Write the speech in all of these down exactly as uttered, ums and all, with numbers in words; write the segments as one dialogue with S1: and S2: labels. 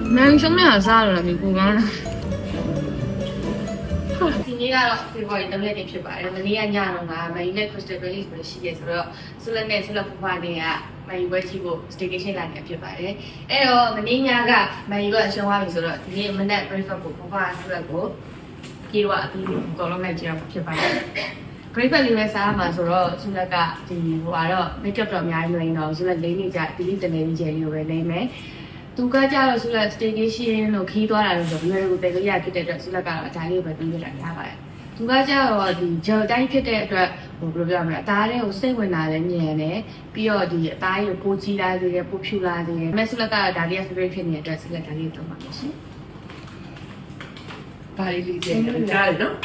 S1: 蛮凶的啥了，你不讲了。
S2: ဒီနေ့ကတော့ February ၃ရက်နေ့ဖြစ်ပါတယ်။မနေ့ကညတော့ကမယူနဲ့ Crystal Release ပဲရှိရဲဆိုတော့ဆုလက်နဲ့ဆုလက်ဖူဖားတွေကမယူပွဲကြည့်ဖို့ staycation လာနေဖြစ်ပါတယ်။အဲ့တော့မနေ့ညကမယူကအရှုံးသွားပြီဆိုတော့ဒီနေ့မနက် breakfast ကိုဖူဖားဆုလက်ကိုပြေတော့အပြီးအကုန်လုံးလိုက်ကြည့်အောင်ဖြစ်ပါတယ်။ breakfast လေးပဲစားရမှာဆိုတော့ဆုလက်ကဒီဟိုကတော့ makeup တော့အများကြီးမလိမ့်တော့ဆုလက်လေးနေကြဒီလေးတနေကြီးကျယ်လေးကိုပဲလိမ့်မယ်။သူကကြတော့ဆုလက် staycation လို့ခီးသွားတာလို့ဆိုပြီးတော့ဘယ်လိုရဖြစ်တဲ့အတွက်ဆုလက်ကတော့အတိုင်းလေးပဲပြီးပြတာထားပါတယ်။သူကကြတော့ဒီဂျယ်တိုင်းဖြစ်တဲ့အတွက်ဟိုဘယ်လိုပြောမလဲအသားတွေကိုစိတ်ဝင်တာလည်းမြင်တယ်ပြီးတော့ဒီအသားတွေကိုပိုကြီးလာစေတယ်ပိုဖြူလာစေတယ်။မဆုလက်ကတော့ဒါလေး favorite ဖြစ်နေတဲ့အတွက်ဆုလက်ဒါလေးတော့မှာရှင်။
S3: ဘာလေးလေးကျတယ်ကြားတယ်နော်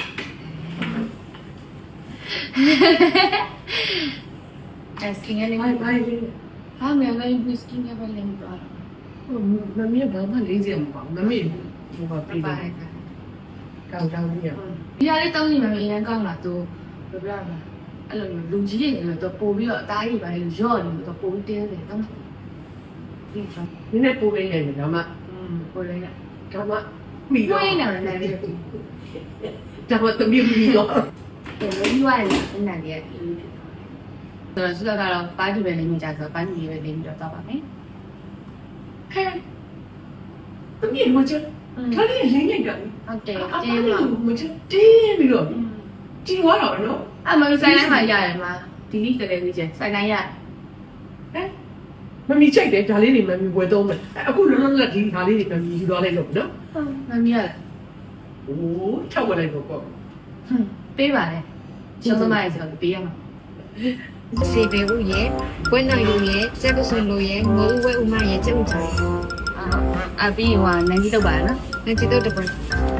S2: အဲစကင်လေး
S3: ဘာဘာလေး
S2: ဟာမြန်လေးဝီစကင်ကပဲလင်းသွားတော့
S3: ဟိုမမီးဘာမှလေးစရာမပေါ့မမီးဟိုဘာပြေးတယ်ကောင်းကောင်းကြီးရ
S2: ဒီဟာလေးတောင်းနေမှအရင်ကောင်းလာသူဘယ်ပြောမလဲအဲ့လိုလူကြီးတွေတော့ပို့ပြီးတော့အသားကြီးပါလေရော့နေတော့ပို့ပြီးတင်းတယ်တောင်းဒီတော့
S3: နည်းနည်းပိုးပေးနေတယ်ဒါမှ
S2: อืมပို့လိုက်ရ
S3: ဒါမှမိ
S2: ပို့
S3: တော့
S2: ရနေတယ်လည်း
S3: ဒါမှတမီးမိတော့
S2: တယ်လေးရွာနေတယ်နားလေးဆိုတော့ဆုကတော့ပါတီပဲလေးနေကြဆိုပါတီပဲလေးပြီးတော့တော့ပါမယ်
S3: ဟဲ့တမီးမချထားလေးရင်းနေကြတယ်
S2: ဟုတ်တယ်
S3: အ
S2: တင်း
S3: တင်း
S2: ပါ
S3: မချတင်းပြီးတော့ကြီးသွားတော့နော်
S2: အမဆိုင်တိုင်းမှာရတယ်မှာဒီနေ့တည်းလေးကျဆိုင်တိုင်းရ
S3: ဟဲ့မမီချိုက်တယ်ဒါလေးတွေမမီဝယ်တော့မယ်အခုလုံးလုံးကဒီဒါလေးတွေမမီယူသွားလိုက်တော့နော်
S2: မမီးရ
S3: โอ้ချောက်ဝယ်လိုက်တော့ပေါ့
S2: ဟွန်းပေးပါလေကျောင်းသမားရေဆိုပေးရမှာ
S4: စေပေဦးရဲ့ပွဲနိုင်လူရဲ့စက်ပစုံလူရဲ့ငိုးဝဲဦးမရဲ့ကျုပ်ချာ
S2: အာအပြီးဟိုနန်းကြီးတော့ပါနော်
S4: နဲ့ချစ်တော့တပွဲ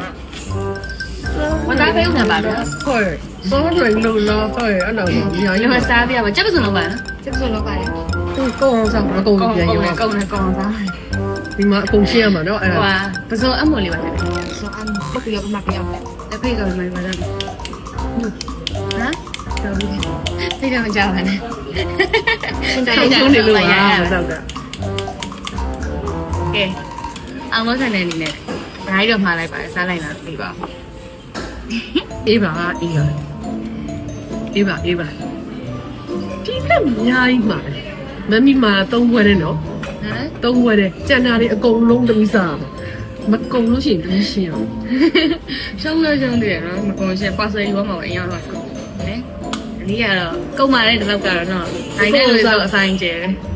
S2: မသားပေးဦးမှာပါဗျာ
S3: ဟုတ်စောရွယ်လို့လားဟုတ်အဲ့တော့ညာ
S2: ဒီ
S3: ရ
S2: မှာစားပြရမှာကြက်ပစုံတော့ပါနော်
S4: စက်ပစုံလောက်ပါတယ်
S3: သူကောင်းအောင်ဆောင်မကုန်ပြန်ရော
S2: ကောင်းတယ်ကောင်းစား
S3: ဒီမှာအကုန်ရှင်းရမှာနော်အဲ့
S2: ဟို
S3: ဒါ
S2: ဟာပစုံအမွန်လေးပါလေ
S4: ဆိုအမ်ဘက်ရောက်မှပြောင်းတယ်
S2: လက်ဖေးကလည်းမပါတော့ဟမ်
S3: တော်ပြီ
S2: ဖေးကမကြောက်ပါနဲ့
S3: ဆောင်းဆုံးနေလို့ပါဆောက်က
S2: ကဲအောင်လို့ဆိုင်နေနေနဲ့ဒါကြီးတော့မှားလိုက်ပါစားလိုက်လားပြီးပါ
S3: အေးပါအေးပါအေးပါအေးပါဒီကမြိုင်းမှာမမီမာသုံးဘွဲတယ်နော်
S2: ဟမ်
S3: သုံးဘွဲတယ်ကျန်တာတွေအကုန်လုံးတမိစားမကုန်လို့ရှိရင်ပြီးရှင်းအောင်
S2: ရှုံးလို့ရှုံးတယ်နော်မကုန်ရှင်းပါဆယ်ယူမှာအရင်တော့ဆုံးနဲအနည်းကတော့ကုတ်မာတဲ့ဒီလောက်ကတော့နော်နိုင်တဲ့လူဆိုအဆိုင်ကျဲ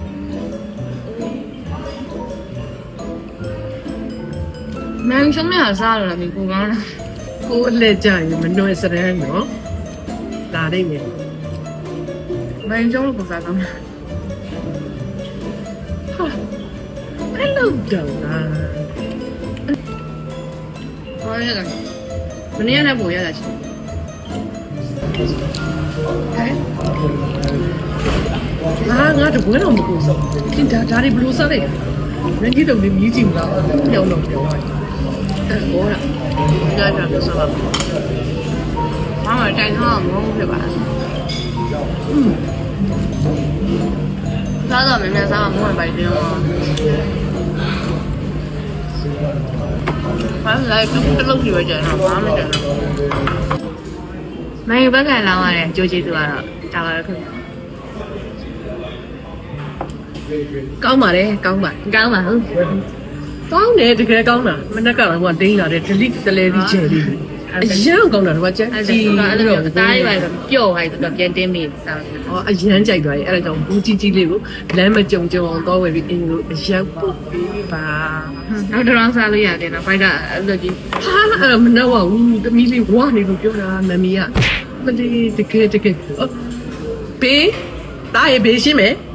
S2: မန်ရှုံးနေစားလို့လည်းကိုကောင်းလား
S3: ကိုအလက်ကြရင်မနှွယ်စရမ်းနော်ဒါနေမယ်
S2: မန်ရှုံးလို့ပုံစားကောင်းလား
S3: ဟာအဲ့လိုတော့လား
S2: ဟောရတာမနေ့ကလည်းပုံရတာချင်း
S3: ဟာငါတပွဲတော့မကူစောဒီဒါဒါတွေဘလို့စားလိုက်ရင်းကြီးတော့မြည်ကြည့်မလားပြောင်းတော့ပြောင်းအဲ့ဟောတာဒါကြတော့စားပါ
S2: ဘာမှတိုင်ထားမဟုတ်ဖြစ်ပါอืมစားတော့မြန်မြန်စားမှမဟုတ်ပါဘူးပြောဘာလဲတလုံးပြရကြတော့ဘာမှမကြတော့မင်းဘက်ကလောင်းရတဲ့ကြိုးကျေးဇူးကတော့တာပါတော့ခင်ဗျာ
S3: ကောင်းပါတယ်ကောင်းပါ
S2: ကောင်းပါဟုတ်
S3: ကောင်းတယ်တကယ်ကောင်းတာမနေ့ကတော့ကတင်းလာတယ် delete တလဲပြီးချယ်လေးအရန်ကောင်းတာတော့ကျန်
S2: အဲ့
S3: ကြီး
S2: ဒါအဲ့လိုအသားလေးပါဆိုပျော့သွားပြီဆိုတော့ပြန်တင်းမိစား
S3: ဟောအရန်ကြိုက်သွားတယ်အဲ့ဒါကြောင့်ဘူးကြီးကြီးလေးကိုလမ်းမကြုံကြုံအောင်တော့ဝယ်ပြီးအင်းကိုအရန်ပုတ်ပြီးပါ
S2: နောက်တော့စားလို့ရတယ်နော်ဘိုက်ကအဲ့လိုကြီး
S3: ဟာအဲ့တော့မနှောက်ပါဘူးတမီးလေးဝါနေလို့ပြောတာမမီကမလေးတကယ်တကယ်ပေးတားရပေးရှင်းမယ်